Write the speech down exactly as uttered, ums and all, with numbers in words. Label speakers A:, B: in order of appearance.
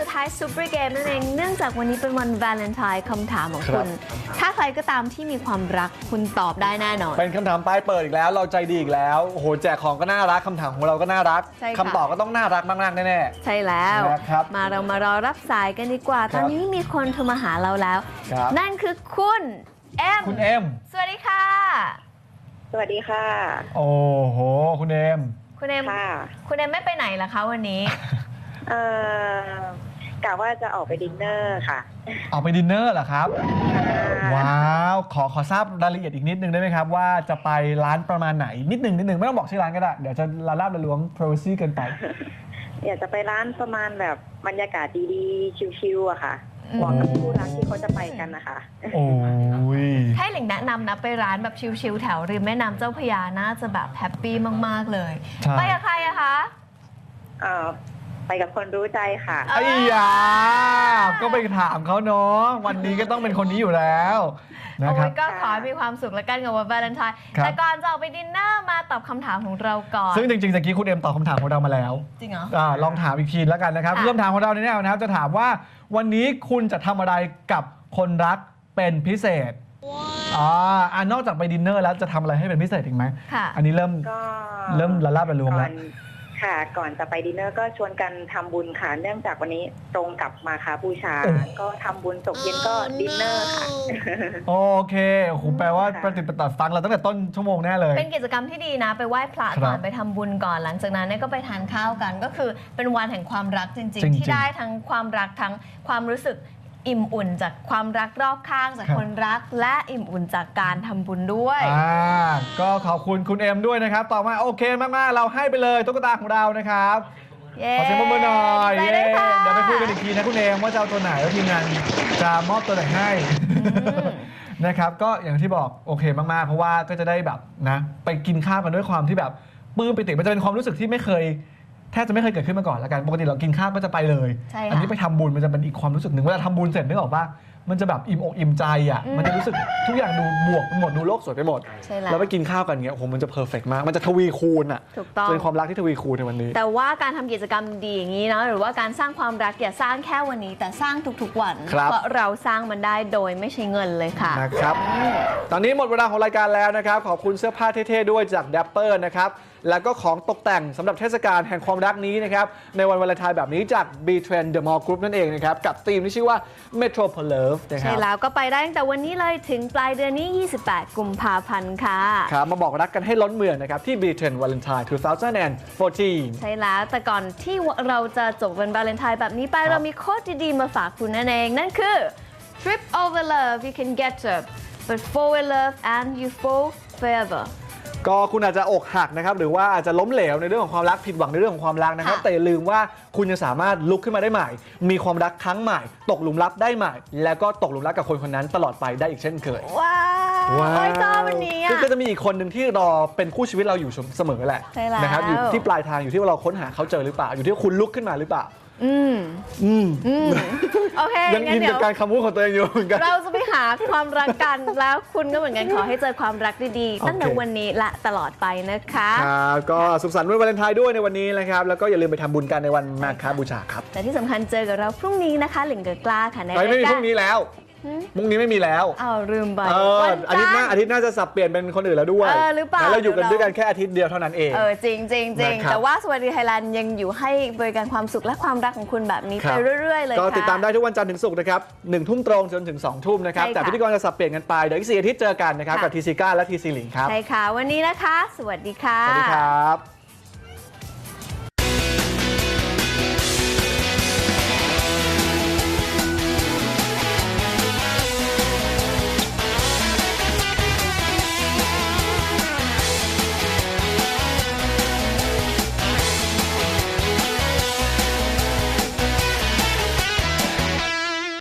A: ทายซูเปอร์เกมนั่นเองเนื่องจากวันนี้เป็นวันวาเลนไทน์คำถามของคุณถ้าใครก็ตามที่มีความรักคุณตอบได้แน่นอน
B: เป็นคำถามปลายเปิดอีกแล้วเราใจดีอีกแล้วโอ้โหแจกของก็น่ารักคำถามของเราก็น่ารักคำตอบก็ต้องน่ารักมากๆแน่ๆ
A: ใช่แล้วมาเรามารอรับสายกันดีกว่าตอนนี้มีคนโทรมาหาเราแล้วนั่นคือคุณเอ็ม
B: คุณเอ็ม
A: สวัสดีค่ะ
C: สวัสดีค่ะ
B: โอ้โหคุณเอ็ม
A: คุณเอ็มคุณเอ็มไม่ไปไหนล่ะคะวันนี้
C: เอ่อกะว่าจะออกไปดินเนอร์ค่ะ
B: ออกไปดินเนอร์เหรอครับว้าวขอขอทราบรายละเอียดอีกนิดนึงได้ไหมครับว่าจะไปร้านประมาณไหนนิดนึงนิดนึงไม่ต้องบอกชื่อร้านก็ได้เดี๋ยวจะละลาบละล้วง privacy เกินไป
C: อยากจะไปร้านประมาณแบบบรรยากาศดีๆชิลๆอะค่ะเหมาะกับคู่รักที่เขาจะไปกันนะคะ
B: โอ้ย
A: ให้หลิงแนะนำนะไปร้านแบบชิลๆแถวริมแม่น้ำเจ้าพระยาน่าจะแบบแฮปปี้มากๆเลยไปกับใครอะคะ
C: เอ่อไปกับคนรู้ใจค่ะ
B: ไอ้ยาก็ไปถามเขาเนาะวันนี้ก็ต้องเป็นคนนี้อยู่แล้วนะครับ
A: ก็ขอให้มีความสุขและกันกับวันวาเลนไทน์แต่ก่อนจะออกไปดินเนอร์มาตอบคำถามของเราก่อน
B: ซึ่งจริงๆตะกี้คุณเอ็มตอบคำถามของเรามาแล้ว
A: จริงเหรอ
B: ลองถามอีกทีแล้วกันนะครับเริ่มถามของเราในแนวนะครับจะถามว่าวันนี้คุณจะทำอะไรกับคนรักเป็นพิเศษอ๋อนอกจากไปดินเนอร์แล้วจะทำอะไรให้เป็นพิเศษอีกไหมอันนี้เริ่มเริ่มละลาบละลวงแล้ว
C: ค่ะก่อนจะไปดินเนอร์ก็ชวนกันทำบุญค่ะเนื่องจากวันนี้ตรงกับมาฆบูชาก็ทำบุญตกเย็นก็ดินเนอร์ค่ะ
B: โอเคโอ้โหแปลว่าปฏิปต่อฟังเราตั้งแต่ต้นชั่วโมงแน่เลย
A: เป็นกิจกรรมที่ดีนะไปไหว้พระก่อนไปทำบุญก่อนหลังจากนั้นก็ไปทานข้าวกันก็คือเป็นวันแห่งความรักจริงๆที่ได้ทั้งความรักทั้งความรู้สึกอิ่มอุ่นจากความรักรอบข้างจากคนรักและอิ่มอุ่นจากการทำบุญด้วย
B: อ่าก็ขอบคุณคุณเอ็มด้วยนะครับต่อมาโอเคมากๆเราให้ไปเลยตุ๊กตาของเรานะครับขอเสียงปรบมือหน่อยเย้เดี๋ยวไปคุยกันอีกทีนะคุณเอ็มว่าจะเอาตัวไหนแล้วทีมงานจะมอบตัวไหนให้นะครับก็อย่างที่บอกโอเคมากๆเพราะว่าก็จะได้แบบนะไปกินข้าวกันด้วยความที่แบบปลื้มปิติมันจะเป็นความรู้สึกที่ไม่เคยแทบจะไม่เคยเกิดขึ้นมาก่อนแล้วกันปกติเรากินข้าวก็จะไปเลยอันนี้ไปทำบุญมันจะเป็นอีกความรู้สึกหนึ่งเวลาทำบุญเสร็จนึกออกป่ะมันจะแบบอิ่มอกอิ่มใจอ่ะมันจะรู้สึกทุกอย่างดูบวกหมดดูโลกสวยไปหมดแล้วไปกินข้าวกันเงี้ยโอ้โหมันจะเพอร์เฟกต์มากมันจะทวีคูณอ่ะเป็นความรักที่ทวีคูณในวันนี้
A: แต่ว่าการทำกิจกรรมดีอย่างนี้นะหรือว่าการสร้างความรักอย่าสร้างแค่วันนี้แต่สร้างทุกๆวันเพราะเราสร้างมันได้โดยไม่ใช้เงินเลยค่ะ
B: นะครับตอนนี้หมดเวลาของรายการแล้วนะครับขอบคุณเสื้อผ้าเท่ๆด้วยจาก Dapper นะครับแล้วก็ของตกแต่งสำหรับเทศกาลแห่งความรักนี้นะครับในวันวาเลนไทน์แบบนี้จาก B-Trend The Mall Group นั่นเองนะครับกับธีมที่ชื่อว่า Metropole Love นะครับ
A: ใช่แล้วก็ไปได้ตั้งแต่วันนี้เลยถึงปลายเดือนนี้ยี่สิบแปดกุมภาพันธ์ค่ะ
B: ครับมาบอกรักกันให้ล้นเมืองนะครับที่ B-Trend Valentine สองพันสิบสี่
A: ใช่แล้วแต่ก่อนที่เราจะจบวันวาเลนไทน์แบบนี้ไปเรามีโค้ดดีๆมาฝากคุณนั่นเองนั่นคือ Trip over love you can get up but fall in love and you fall forever
B: ก็คุณอาจจะอกหักนะครับหรือว่าอาจจะล้มเหลวในเรื่องของความรักผิดหวังในเรื่องของความรักนะครับแต่อย่าลืมว่าคุณจะสามารถลุกขึ้นมาได้ใหม่มีความรักครั้งใหม่ตกหลุมรักได้ใหม่แล้วก็ตกหลุมรักกับคนคนนั้นตลอดไปได้อีกเช่นเคย
A: ว้าวว้าววันนี้
B: ซึ่งก็จะมีอีกคนหนึ่งที่รอเป็นคู่ชีวิตเราอยู่เสมอแหละนะครับอยู่ที่ปลายทางอยู่ที่ว่าเราค้นหาเขาเจอหรือเปล่าอยู่ที่คุณลุกขึ้นมาหรือเปล่า
A: อืมอืมอืมโอเค
B: ยังอินกับการคำพูดของตัวเองอยู่เหมือนกัน
A: เราจะไปหาความรักกันแล้วคุณก็เหมือนกันขอให้เจอความรักดีๆตั้งแต่วันนี้และตลอดไปนะคะ
B: ครับก็สุขสันต์วันวาเลนไทน์ด้วยในวันนี้นะครับแล้วก็อย่าลืมไปทำบุญกันในวันมาฆบูชาครับ
A: แต่ที่สำคัญเจอกับเราพรุ่งนี้นะคะหลิงเกิดกล้าค่ะในรายการ
B: ไม่มีพรุ่งนี้แล้วมุ้งนี้ไม่มีแล้ว
A: อ้าวลืมไป
B: อาทิตย์หน้าอาทิตย์หน้าจะสับเปลี่ยนเป็นคนอื่นแล้วด้วย
A: เออหรือเปล่า
B: เราอยู่กันด้วยกันแค่อาทิตย์เดียวเท่านั้นเอง
A: เออจริงจริงจริงแต่ว่าสวัสดีไทยแลนด์ยังอยู่ให้บริการความสุขและความรักของคุณแบบนี้ไปเรื่อยๆเลยค่ะ
B: ก็ติดตามได้ทุกวันจันทร์ถึงศุกร์นะครับหนึ่งทุ่มตรงจนถึงสองทุ่มนะครับแต่พิธีกรจะสับเปลี่ยนกันไปเดี๋ยวอีกสี่อาทิตย์เจอกันนะครับกับทีซีก้าและทีซีหลิงครับ
A: ใช่ค่ะวันนี้นะคะสวัสดีค่ะ
B: สวัสดีครับ